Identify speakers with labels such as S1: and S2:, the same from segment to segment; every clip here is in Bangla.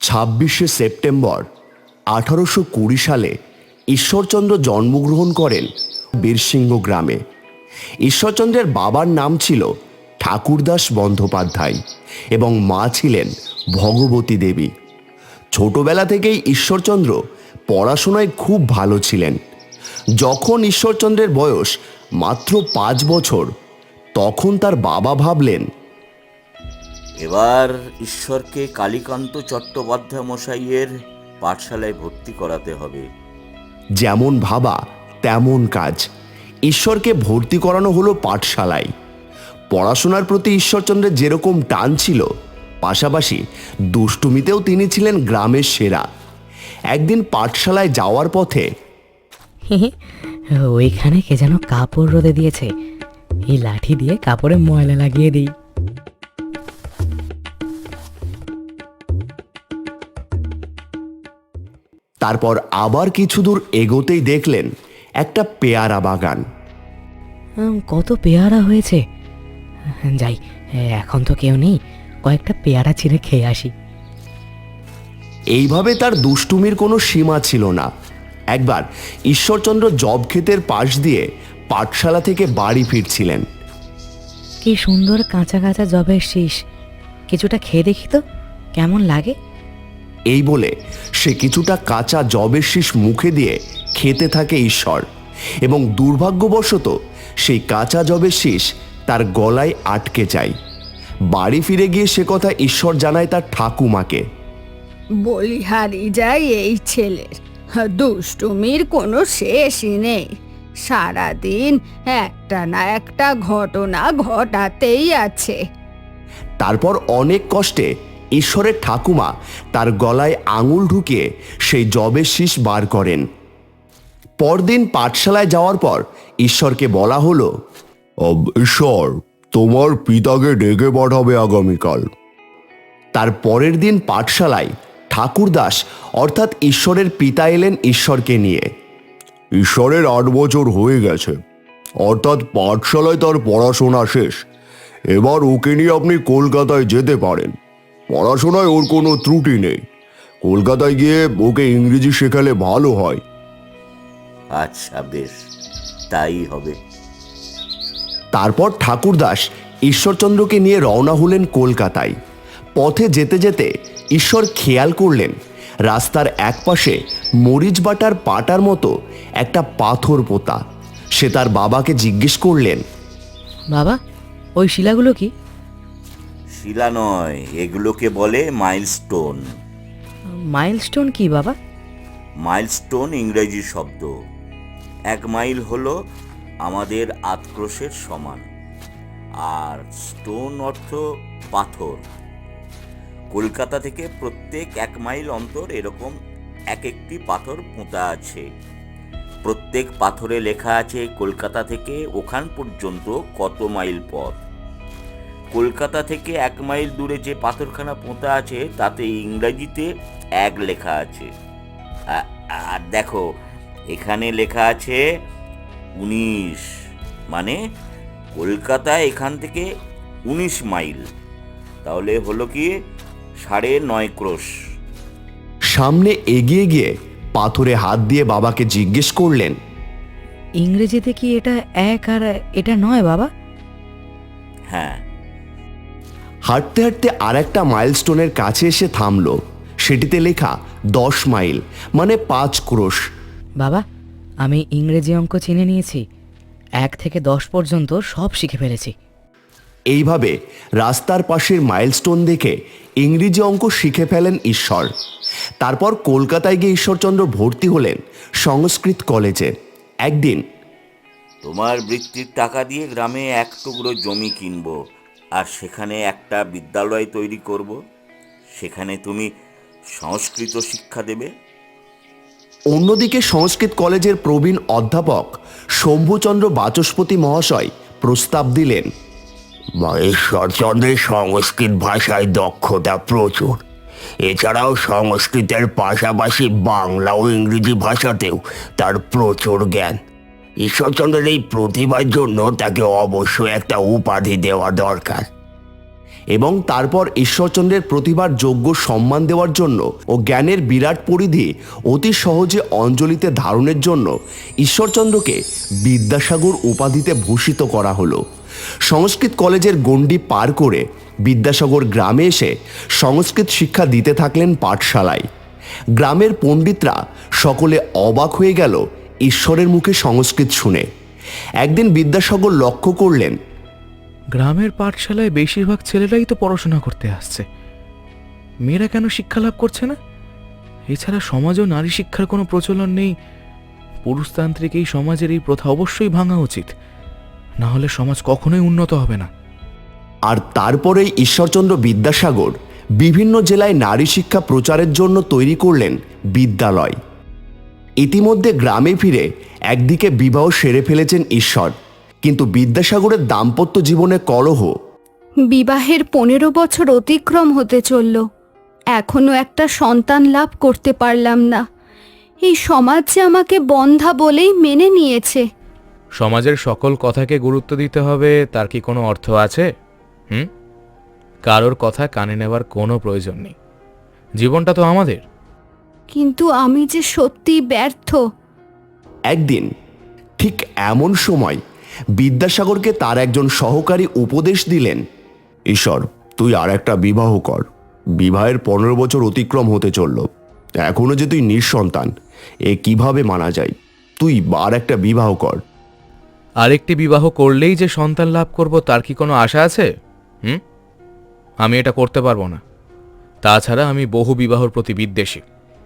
S1: 26 সেপ্টেম্বর 1820 সালে ঈশ্বরচন্দ্র জন্মগ্রহণ করেন বীরসিংহ গ্রামে। ঈশ্বরচন্দ্রের বাবার নাম ছিল ঠাকুরদাস বন্দ্যোপাধ্যায় এবং মা ছিলেন ভগবতী দেবী। ছোটবেলা থেকেই ঈশ্বরচন্দ্র পড়াশোনায় খুব ভালো ছিলেন। যখন ঈশ্বরচন্দ্রের বয়স মাত্র 5 বছর, তখন তার বাবা ভাবলেন,
S2: এবার ঈশ্বরকে কালীকান্ত চট্টোপাধ্যায় মশাইয়ের পাঠশালায় ভর্তি করাতে হবে।
S1: যেমন ভাবা তেমন কাজ। ঈশ্বরকে ভর্তি করানো হলো পাঠশালায়। পড়াশোনার প্রতি ঈশ্বরচন্দ্রের যেরকম টান ছিল, পাশাপাশি দুষ্টুমিতেও তিনি ছিলেন গ্রামের সেরা। একদিন পাঠশালায় যাওয়ার পথে
S3: ওইখানে কে যেন কাপড় রোদে দিয়েছে, এই লাঠি দিয়ে কাপড়ে ময়লা লাগিয়ে দিই।
S1: তারপর আবার কিছু দূর এগোতেই দেখলেন একটা পেয়ারা বাগান।
S3: কত পেয়ারা হয়েছে, যাই, এখন তো কেউ নেই, কয়েকটা পেয়ারা ছিঁড়ে খেয়ে আসি।
S1: এইভাবে তার দুষ্টুমির কোনো সীমা ছিল না। একবার ঈশ্বরচন্দ্র জব ক্ষেতের পাশ দিয়ে পাঠশালা থেকে বাড়ি ফিরছিলেন।
S3: কি সুন্দর কাঁচা কাঁচা জবের শীষ, কিছুটা খেয়ে দেখি তো কেমন লাগে।
S1: এই বলে সে কিছুটা কাঁচা জবের শীষ মুখে দিয়ে খেতে থাকে ঈশ্বর, এবং দুর্ভাগ্যবশত সেই কাঁচা জবের শীষ তার গলায় আটকে যায়। বাড়ি ফিরে গিয়ে সে কথা ঈশ্বর জানায় তার ঠাকুমাকে।
S4: বলিহারি যায় এই ছেলের, দুষ্টুমির কোনো শেষই নেই। সারাদিন একটা না একটা ঘটনা ঘটাতেই আছে।
S1: তারপর অনেক কষ্টে ঈশ্বরের ঠাকুমা তার গলায় আঙুল ঢুকিয়ে সেই জবের শীষ বার করেন। পরদিন পাঠশালায় যাওয়ার পর ঈশ্বরকে বলা হলো, ঈশ্বর, তোমার পিতাকে ডেকে পাঠাবে আগামীকাল। তার পরের দিন পাঠশালায় ঠাকুরদাস অর্থাৎ ঈশ্বরের পিতা এলেন ঈশ্বরকে নিয়ে। ঈশ্বরের 8 বছর হয়ে গেছে, অর্থাৎ পাঠশালায় তার পড়াশোনা শেষ। এবার ওকে নিয়ে আপনি কলকাতায় যেতে পারেন। পড়াশোনায় ওর কোনো ত্রুটি নেই। কলকাতায় গিয়ে ওকে ইংরেজি শেখালে ভালো হয়।
S2: আচ্ছা, বেশ, তাই হবে।
S1: তারপর ঠাকুরদাস ঈশ্বরচন্দ্রকে নিয়ে রওনা হলেন কলকাতায়। পথে যেতে যেতে ঈশ্বর খেয়াল করলেন রাস্তার একপাশে মরিচ বাটার পাটার মতো একটা পাথর পোতা। সে তার বাবাকে জিজ্ঞেস করলেন,
S3: বাবা, ওই শিলাগুলো কি?
S2: শিলা নয়, এগুলোকে বলে মাইলস্টোন।
S3: মাইলস্টোন কি বাবা?
S2: মাইলস্টোন ইংরেজি শব্দ। 1 মাইল হলো আমাদের আতক্রোশের সমান, আর স্টোন অর্থ পাথর। কলকাতা থেকে প্রত্যেক 1 মাইল অন্তর এরকম এক একটি পাথর পোঁতা আছে। প্রত্যেক পাথরে লেখা আছে কলকাতা থেকে ওখান পর্যন্ত কত মাইল পথ। কলকাতা থেকে 1 মাইল দূরে যে পাথরখানা পোঁতা আছে তাতে ইংরেজিতে 1 লেখা আছে। আর দেখো, এখানে লেখা আছে 19, মানে কলকাতায় এখান থেকে 19 মাইল। তাহলে হলো কি 9.5 ক্রোশ।
S1: সামনে এগিয়ে গিয়ে পাথরে হাত দিয়ে বাবাকে জিজ্ঞেস করলেন,
S3: ইংরেজিতে কি এটা 1 আর এটা 9 বাবা?
S2: হ্যাঁ।
S1: হাঁটতে হাঁটতে আর একটা মাইলস্টোনের কাছে এসে থামল। সেটিতে লেখা 10 মাইল, মানে 5 ক্রোশ।
S3: বাবা, আমি ইংরেজি অঙ্ক চিনে নিয়েছি, 1 থেকে 10 পর্যন্ত সব শিখে ফেলেছি।
S1: এইভাবে রাস্তার পাশের মাইলস্টোন দেখে ইংরেজি অঙ্ক শিখে ফেলেন ঈশ্বর। তারপর কলকাতায় গিয়ে ঈশ্বরচন্দ্র ভর্তি হলেন সংস্কৃত কলেজে। একদিন,
S2: তোমার বৃত্তির টাকা দিয়ে গ্রামে 1 টুকরো জমি কিনবো, আর সেখানে একটা বিদ্যালয় তৈরি করব। সেখানে তুমি সংস্কৃত শিক্ষা দেবে।
S1: অন্যদিকে সংস্কৃত কলেজের প্রবীণ অধ্যাপক শম্ভুচন্দ্র বাচস্পতি মহাশয় প্রস্তাব দিলেন, ঈশ্বরচন্দ্রের সংস্কৃত ভাষায় দক্ষতা প্রচুর। এছাড়াও সংস্কৃতের পাশাপাশি বাংলা ও ইংরেজি ভাষাতেও তার প্রচুর জ্ঞান। ঈশ্বরচন্দ্রের এই প্রতিভার জন্য তাকে অবশ্যই একটা উপাধি দেওয়া দরকার। এবং তারপর ঈশ্বরচন্দ্রের প্রতিভার যোগ্য সম্মান দেওয়ার জন্য ও জ্ঞানের বিরাট পরিধি অতি সহজে অঞ্জলিতে ধারণের জন্য ঈশ্বরচন্দ্রকে বিদ্যাসাগর উপাধিতে ভূষিত করা হলো। সংস্কৃত কলেজের গণ্ডি পার করে বিদ্যাসাগর গ্রামে এসে সংস্কৃত শিক্ষা দিতে থাকলেন পাঠশালায়। গ্রামের পণ্ডিতরা সকলে অবাক হয়ে গেল ঈশ্বরের মুখে সংস্কৃত শুনে। একদিন বিদ্যাসাগর লক্ষ্য করলেন,
S5: গ্রামের পাঠশালায় বেশিরভাগ ছেলেরাই তো পড়াশোনা করতে আসছে, মেয়েরা কেন শিক্ষা লাভ করছে না? এছাড়া সমাজেও নারী শিক্ষার কোনো প্রচলন নেই। পুরুষতান্ত্রিক এই সমাজের এই প্রথা অবশ্যই ভাঙা উচিত, না হলে সমাজ কখনোই উন্নত হবে না।
S1: আর তারপরেই ঈশ্বরচন্দ্র বিদ্যাসাগর বিভিন্ন জেলায় নারী শিক্ষা প্রচারের জন্য তৈরি করলেন বিদ্যালয়। ইতিমধ্যে গ্রামে ফিরে একদিকে বিবাহ সেরে ফেলেছেন ঈশ্বর, কিন্তু বিদ্যাসাগরের দাম্পত্য জীবনে কলহ।
S4: বিবাহের 15 বছর অতিক্রম হতে চলল, এখনো একটা সন্তান লাভ করতে পারলাম না। এই সমাজ যে আমাকে বন্ধা বলেই মেনে নিয়েছে।
S5: সমাজের সকল কথাকে গুরুত্ব দিতে হবে, তার কি কোনো অর্থ আছে? কারোর কথা কানে নেওয়ার কোনো প্রয়োজন নেই। জীবনটা তো আমাদের।
S4: কিন্তু আমি যে সত্যি ব্যর্থ।
S1: একদিন ঠিক এমন সময় বিদ্যাসাগরকে তার একজন সহকারী উপদেশ দিলেন, ঈশ্বর, তুই আর একটা বিবাহ কর। বিবাহের 15 বছর অতিক্রম হতে চলল, এখনো যে তুই নিঃসন্তান, এ কিভাবে মানা যায়? তুই আর একটা বিবাহ কর।
S5: আরেকটি বিবাহ করলেই যে সন্তান লাভ করব তার কি কোনো আশা আছে? আমি এটা করতে পারবো না। তাছাড়া আমি বহু বিবাহর প্রতি বিদ্বেষী।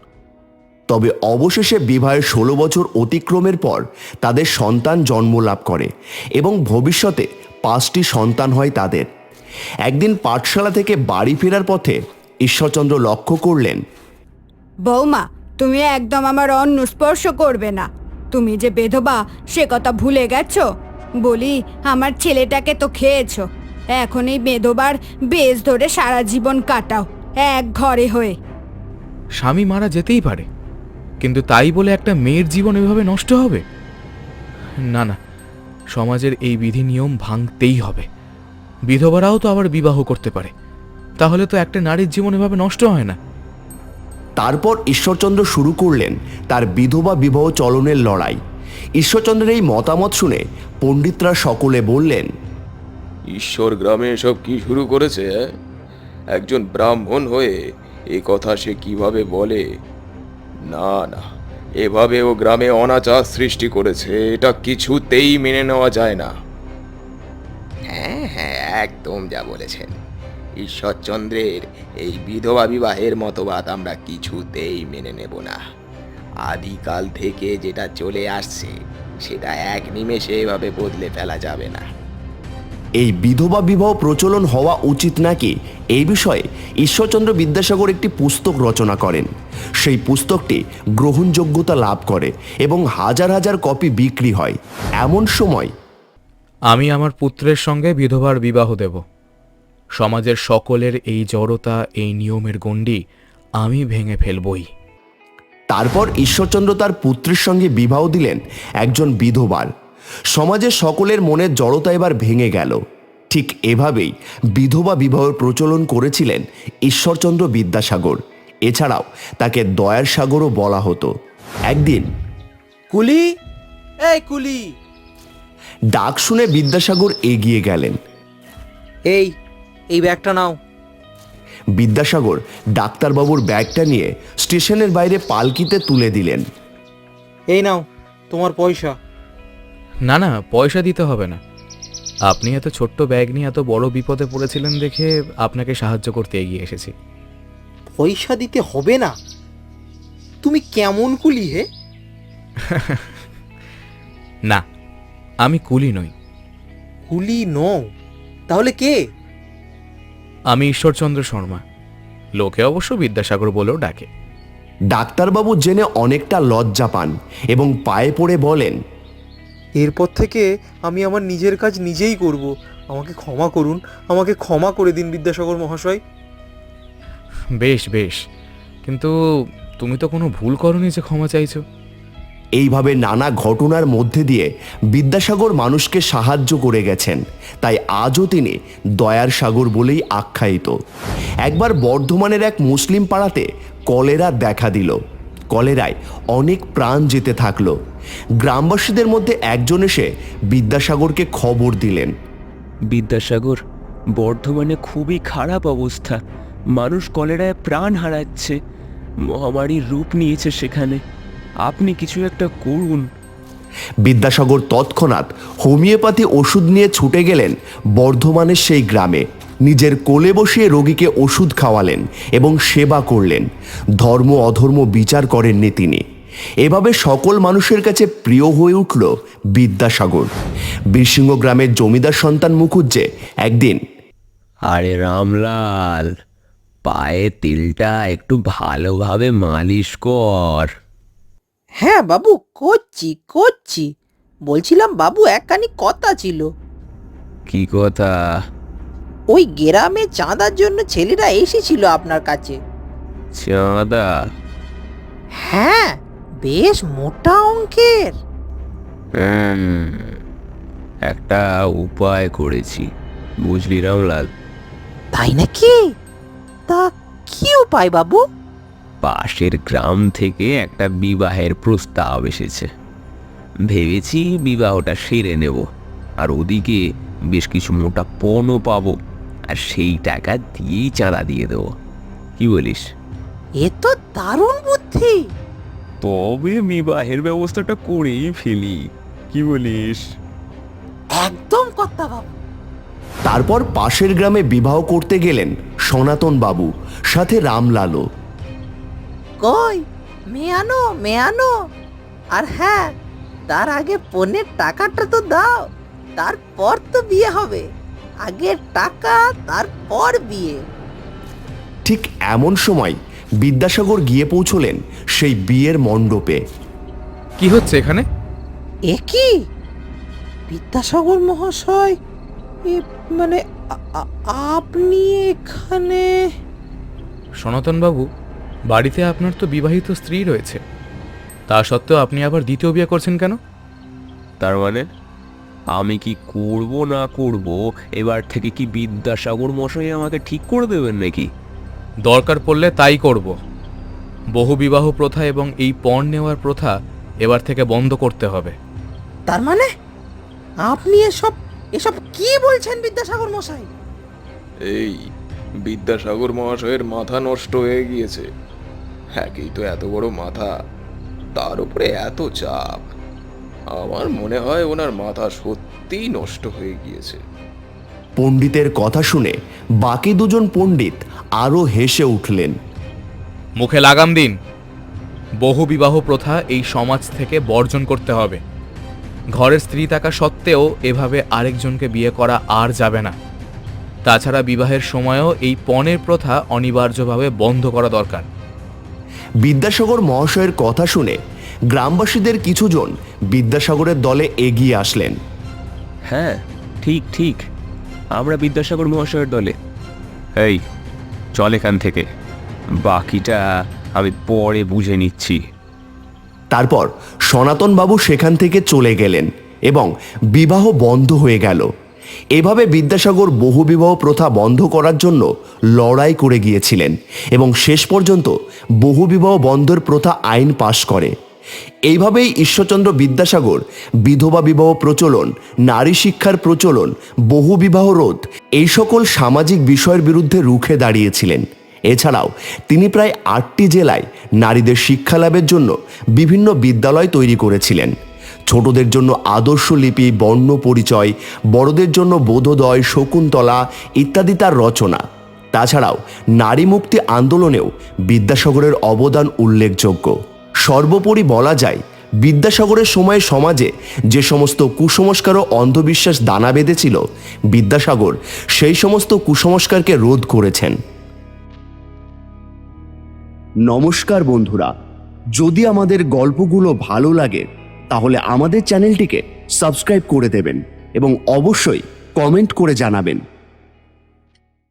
S1: তবে অবশেষে বিবাহের 16 বছর অতিক্রমের পর তাদের সন্তান জন্ম লাভ করে এবং ভবিষ্যতে 5টি সন্তান হয় তাদের। একদিন পাঠশালা থেকে বাড়ি ফেরার পথে ঈশ্বরচন্দ্র লক্ষ্য করলেন,
S4: বৌমা, তুমি একদম আমার অন্ন স্পর্শ করবে না। তুমি যে বেধবা সে কথা ভুলে গেছো? বলি, আমার ছেলেটাকে তো খেয়েছো, এখন এই বেধবার বেশ ধরে সারা জীবন কাটাও এক ঘরে হয়ে।
S5: স্বামী মারা যেতেই পারে, কিন্তু তাই বলে একটা মেয়ের জীবন এভাবে নষ্ট হবে? না না, সমাজের এই বিধি নিয়ম ভাঙতেই হবে। বিধবারাও তো আবার বিবাহ করতে পারে, তাহলে তো একটা নারীর জীবন এভাবে নষ্ট হয় না।
S1: তারপর ঈশ্বরচন্দ্র শুরু করলেন তার বিধবা বিবাহ চলনের লড়াই। ঈশ্বরচন্দ্রের এই মতামত শুনে পণ্ডিতরা সকলে বললেন,
S6: ঈশ্বর গ্রামে এসব কি শুরু করেছে? একজন ব্রাহ্মণ হয়ে এ কথা সে কিভাবে বলে? না না, এভাবে ও গ্রামে অনাচার সৃষ্টি করেছে, এটা কিছুতেই মেনে নেওয়া যায় না। হ্যাঁ হ্যাঁ, একদম যা বলেছেন। ঈশ্বরচন্দ্রের এই বিধবা বিবাহের মতবাদ আমরা কিছুতেই মেনে নেব না। আদিকাল থেকে যেটা চলে আসছে সেটা এক নিমেষে এভাবে বদলে ফেলা যাবে না।
S1: এই বিধবা বিবাহ প্রচলন হওয়া উচিত নাকি, এই বিষয়ে ঈশ্বরচন্দ্র বিদ্যাসাগর একটি পুস্তক রচনা করেন। সেই পুস্তকটি গ্রহণযোগ্যতা লাভ করে এবং হাজার হাজার কপি বিক্রি হয়। এমন সময়
S5: আমি আমার পুত্রের সঙ্গে বিধবার বিবাহ দেব। সমাজের সকলের এই জড়তা, এই নিয়মের গণ্ডি আমি ভেঙে ফেলবই।
S1: তারপর ঈশ্বরচন্দ্র তার পুত্রের সঙ্গে বিবাহ দিলেন একজন বিধবার। সমাজের সকলের মনের জড়তা এবার ভেঙে গেল। ঠিক এভাবেই বিধবা বিবাহের প্রচলন করেছিলেন ঈশ্বরচন্দ্র বিদ্যাসাগর। এছাড়াও তাকে দয়ার সাগরও বলা হতো। একদিন
S7: কুলি, এই কুলি,
S1: ডাক শুনে বিদ্যাসাগর এগিয়ে গেলেন।
S7: এই ব্যাগটা নাও।
S1: বিদ্যাসাগর ডাক্তারবাবুর ব্যাগটা নিয়ে স্টেশনের বাইরে পালকিতে তুলে দিলেন।
S7: এই নাও তোমার পয়সা।
S5: না না, পয়সা দিতে হবে না। আপনি এত ছোট্ট ব্যাগ নিয়ে এত বড় বিপদে পড়েছিলেন দেখে আপনাকে সাহায্য করতে এগিয়ে এসেছি।
S7: পয়সা দিতে হবে না? তুমি কেমন কুলি হে?
S5: না, আমি কুলি নই।
S7: কুলি নও? তাহলে কে?
S5: আমি ঈশ্বরচন্দ্র শর্মা, লোকে অবশ্য বিদ্যাসাগর বলেও ডাকে।
S1: ডাক্তারবাবু জেনে অনেকটা লজ্জা পান এবং পায়ে পড়ে বলেন,
S7: এরপর থেকে আমি আমার নিজের কাজ নিজেই করব। আমাকে ক্ষমা করুন, আমাকে ক্ষমা করে দিন বিদ্যাসাগর মহাশয়।
S5: বেশ বেশ, কিন্তু তুমি তো কোনো ভুল করনি যে ক্ষমা চাইছো।
S1: এইভাবে নানা ঘটনার মধ্যে দিয়ে বিদ্যাসাগর মানুষকে সাহায্য করে গেছেন, তাই আজও তিনি দয়ার সাগর বলেই আখ্যায়িত। একবার বর্ধমানের এক মুসলিম পাড়াতে কলেরা দেখা দিল। কলেরায় অনেক প্রাণ যেতে থাকলো। গ্রামবাসীদের মধ্যে একজন এসে বিদ্যাসাগরকে খবর দিলেন।
S8: বিদ্যাসাগর, বর্ধমানে খুবই খারাপ অবস্থা, মানুষ কলেরায় প্রাণ হারাচ্ছে, মহামারীর রূপ নিয়েছে সেখানে, আপনি কিছু একটা করুন।
S1: বিদ্যাসাগর তৎক্ষণাৎ হোমিওপ্যাথি ওষুধ নিয়ে ছুটে গেলেন বর্ধমানের সেই গ্রামে। নিজের কোলে বসিয়ে রোগীকে ওষুধ খাওয়ালেন এবং সেবা করলেন। ধর্ম অধর্ম বিচার করেননি তিনি। এভাবে সকল মানুষের কাছে প্রিয় হয়ে উঠল বিদ্যাসাগর। বীরসিংহ গ্রামের জমিদার সন্তান মুখুজ্জে একদিন,
S8: আরে রামলাল, পায়ে তিলটা একটু ভালোভাবে মালিশ কর।
S9: হ্যাঁ বাবু, করছি। বলছিলাম বাবু, একখানি কথা ছিল।
S8: কি কথা?
S9: ওই গ্রামে চাঁদার জন্য ছেলেরা এসেছিল আপনার কাছে।
S8: চাঁদা?
S9: হ্যাঁ, বেশ মোটা অঙ্কের।
S8: একটা উপায় করেছি, বুঝলি রামলাল।
S9: তাই নাকি? তা কি উপায় বাবু?
S8: পাশের গ্রাম থেকে একটা বিবাহের প্রস্তাব এসেছে। ভেবেছি বিবাহটা সেরে নেব, আর ওদিকে বেশ কিছু মোটা পণও পাবো, আর সেই টাকা দিয়েই চাঁদা দিয়ে দেবো। কি বলিস?
S9: এ তো দারুণ বুদ্ধি।
S8: তবে বিবাহের ব্যবস্থাটা করেই ফেলি, কি বলিস?
S9: একদম কথা বাবু।
S1: তারপর পাশের গ্রামে বিবাহ করতে গেলেন সনাতন বাবু, সাথে রামলালও।
S9: কই, মেয়ে আনো। আর হ্যাঁ, তার আগে পণের টাকাটা তো দাও, তারপর তো বিয়ে হবে। আগে টাকা, তারপর বিয়ে।
S1: ঠিক এমন সময় বিদ্যাসাগর গিয়ে পৌঁছলেন সেই বিয়ের মণ্ডপে।
S5: কি হচ্ছে এখানে?
S9: এ কি বিদ্যাসাগর মহাশয়, মানে আপনি এখানে?
S5: সনাতনবাবু, বাড়িতে আপনার তো বিবাহিত স্ত্রী রয়েছে, তা সত্ত্বেও আপনি আবার দ্বিতীয় বিয়ে করছেন কেন?
S8: তার মানে আমি কি করব না করব, এবার থেকে কি বিদ্যাসাগর মশাই আমাকে ঠিক করে দেবেন নাকি?
S5: দরকার পড়লে তাই করব। বহু বিবাহ প্রথা এবং এই পণ নেওয়ার প্রথা এবার থেকে বন্ধ করতে হবে।
S9: তার মানে আপনি এসব কি বলছেন বিদ্যাসাগর মশাই?
S6: এই বিদ্যাসাগর মহাশয়ের মাথা নষ্ট হয়ে গিয়েছে। একেই তো এত বড় মাথা, তার উপরে এত চাপ। আমার মনে হয় ওনার মাথা সত্যিই নষ্ট হয়ে গিয়েছে।
S1: পণ্ডিতের কথা শুনে বাকি দুজন পণ্ডিত আরও হেসে উঠলেন।
S5: মুখে লাগাম দিন। বহু বিবাহ প্রথা এই সমাজ থেকে বর্জন করতে হবে। ঘরের স্ত্রী থাকা সত্ত্বেও এভাবে আরেকজনকে বিয়ে করা আর যাবে না। তাছাড়া বিবাহের সময়ও এই পণের প্রথা অনিবার্যভাবে বন্ধ করা দরকার।
S1: বিদ্যাসাগর মহাশয়ের কথা শুনে গ্রামবাসীদের কিছুজন বিদ্যাসাগরের দলে এগিয়ে আসলেন।
S8: হ্যাঁ, ঠিক, আমরা বিদ্যাসাগর মহাশয়ের দলে। এই চল এখান থেকে, বাকিটা আমি পরে বুঝে নিচ্ছি।
S1: তারপর সনাতন বাবু সেখান থেকে চলে গেলেন এবং বিবাহ বন্ধ হয়ে গেল। এভাবে বিদ্যাসাগর বহুবিবাহ প্রথা বন্ধ করার জন্য লড়াই করে গিয়েছিলেন এবং শেষ পর্যন্ত বহুবিবাহ বন্ধের প্রথা আইন পাশ করে। এইভাবেই ঈশ্বরচন্দ্র বিদ্যাসাগর বিধবা বিবাহ প্রচলন, নারী শিক্ষার প্রচলন, বহুবিবাহ রোধ এই সকল সামাজিক বিষয়ের বিরুদ্ধে রুখে দাঁড়িয়েছিলেন। এছাড়াও তিনি প্রায় 8টি জেলায় নারীদের শিক্ষালাভের জন্য বিভিন্ন বিদ্যালয় তৈরি করেছিলেন। ছোটদের জন্য আদর্শ লিপি, বর্ণ পরিচয়, বড়দের জন্য বোধোদয়, শকুন্তলা ইত্যাদি তার রচনা। তাছাড়াও নারী মুক্তি আন্দোলনেও বিদ্যাসাগরের অবদান উল্লেখযোগ্য। সর্বোপরি বলা যায়, বিদ্যাসাগরের সময়ে সমাজে যে সমস্ত কুসংস্কার ও অন্ধবিশ্বাস দানা বেঁধেছিল, বিদ্যাসাগর সেই সমস্ত কুসংস্কারকে রোধ করেছেন। নমস্কার বন্ধুরা, যদি আমাদের গল্পগুলো ভালো লাগে তাহলে আমাদের চ্যানেলটিকে সাবস্ক্রাইব করে দেবেন এবং অবশ্যই কমেন্ট করে জানাবেন